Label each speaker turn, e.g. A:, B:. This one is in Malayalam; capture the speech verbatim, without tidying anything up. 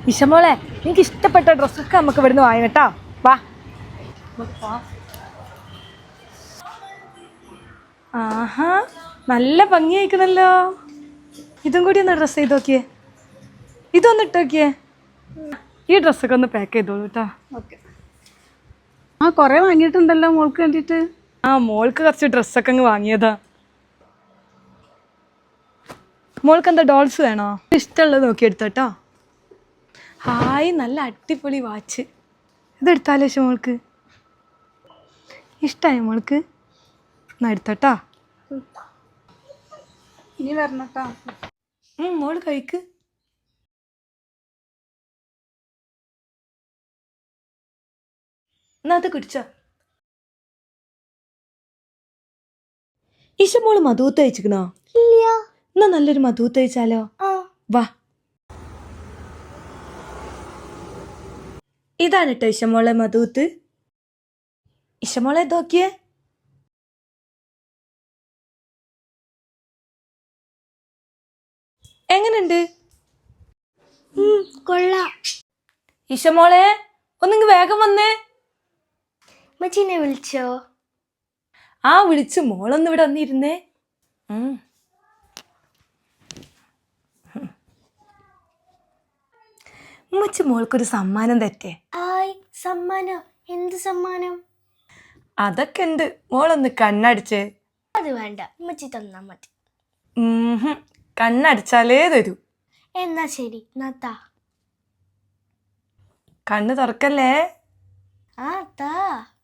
A: ഇഷമോളെ എനിക്ക് ഇഷ്ടപ്പെട്ട ഡ്രസ്സൊക്കെ നമുക്ക് ഇവിടുന്ന് വാങ്ങി കേട്ടോ. വാ. ആഹാ നല്ല ഭംഗിയായിക്കുന്നല്ലോ. ഇതും കൂടി ഒന്ന് ഡ്രസ്സ് ചെയ്ത് നോക്കിയേ. ഇതൊന്ന് ഇട്ട് നോക്കിയേ. ഈ ഡ്രസ്സൊക്കെ ഒന്ന് പാക്ക് ചെയ്തോളൂ കേട്ടോ.
B: ഓക്കെ. ആ കുറേ വാങ്ങിയിട്ടുണ്ടല്ലോ മോൾക്ക് വേണ്ടിയിട്ട്.
A: ആ മോൾക്ക് കുറച്ച് ഡ്രസ്സൊക്കെ അങ്ങ് വാങ്ങിയതാ. മോൾക്ക് എന്താ ഡോൾസ് വേണോ? ഇഷ്ടമുള്ളത് നോക്കി എടുത്തോട്ടോ. ഹായ് നല്ല അടിപൊളി വാച്ച്. ഇതെടുത്താലോ മോൾക്ക്? ഇഷ്ടമായി മോൾക്ക്? എന്നാ എടുത്തോട്ടോ.
B: ഇനി വരണട്ടോ.
A: മോള് കഴിക്ക്. എന്നാ അത് കുടിച്ചോ. ഇഷമോള് മധൂത്ത് കഴിച്ചിക്കണോ?
C: ഇല്ല.
A: എന്നാ നല്ലൊരു മധൂത്ത് കഴിച്ചാലോ? വാ. ഇതാണ് കേട്ടോ ഇഷമോളെ മധൂത്ത്. ഇഷമോളെ നോക്കിയേ. എങ്ങനുണ്ട്?
C: കൊള്ളാം.
A: ഇഷമോളെ ഒന്നിങ്ങ് വേഗം വന്നേ.
C: മച്ചീനെ വിളിച്ചോ?
A: ആ വിളിച്ചു. മോളൊന്ന് ഇവിടെ വന്നിരുന്നേ. ഉമ്മച്ചി മോൾക്കൊരു സമ്മാനം തെറ്റേ.
C: ആയ് സമ്മാനം? എന്ത് സമ്മാനം?
A: അതൊക്കെ ഉണ്ട്. മോളൊന്ന് കണ്ണടിച്ചേ.
C: അത് വേണ്ട, ഉമ്മച്ചി തന്നാ മതി.
A: കണ്ണടിച്ചാലേ തരൂ.
C: എന്നാ ശരി, നാത്താ.
A: കണ്ണ് തുറക്കല്ലേ.
C: ആ താ.